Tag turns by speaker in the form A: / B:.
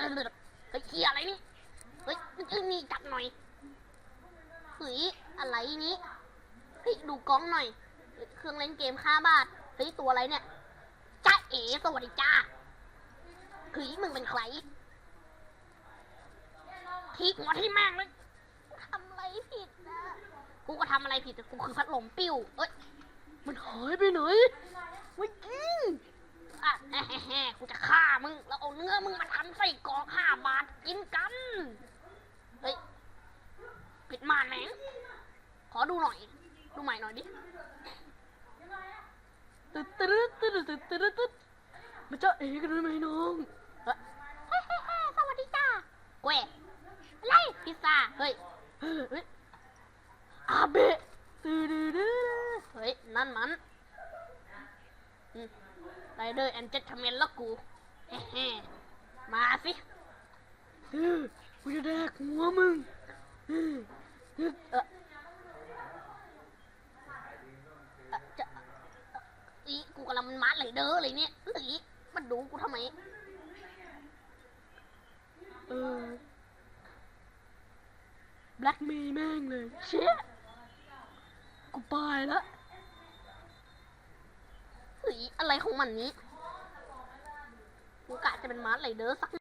A: เฮ้ยเฮียอะไรนี่เฮ้ยนี่จับหน่อยเฮ้ยอะไรนี้เฮ้ยดูกล้องหน่อยเครื่องเล่นเกม5 บาทเฮ้ยตัวอะไรเนี่ยจ้าเอ๋สวัสดีจ้าเฮ้ยมึงเป็นใครทีหัวที่แม่งเลยทำอะไรผิดนะกูก็ทำอะไรผิดแต่กูคือพัดลมปิ้วเอ้ยมันหายไปไหนไม่กินอ่ะแฮ่กูจะฆ่ามึงแล้วเอาเนื้อมึงมาทำไส้กรอก5 บาทกินกันเฮ้ยปิดม่านแม่งขอดูหน่อยดูใหม่หน่อยดิตึ๊ดตึ๊ดตึ๊ดตึ๊ดตึ๊ดตึ๊ดมาจ้าเอ๋กันได้ไหมน้องเฮ้ยสวัสดีจ้าเว้ยอะไรพิซซ่าเฮ้ยอาเบะเฮ้ยนั่นมันไรเดอร์แอนเจทเมนแล้วกูมาสิกูจะแดกหัวมึงกูกำลังมันมาร์ไรเดอร์อะไรเนี่ยมันดูกูทำไมแบล็กเมย์แม่งเลยเชี่ยกูไปแล้วอะไรของมันนี้กูกะจะเป็นมาร์ไรเดอร์สัก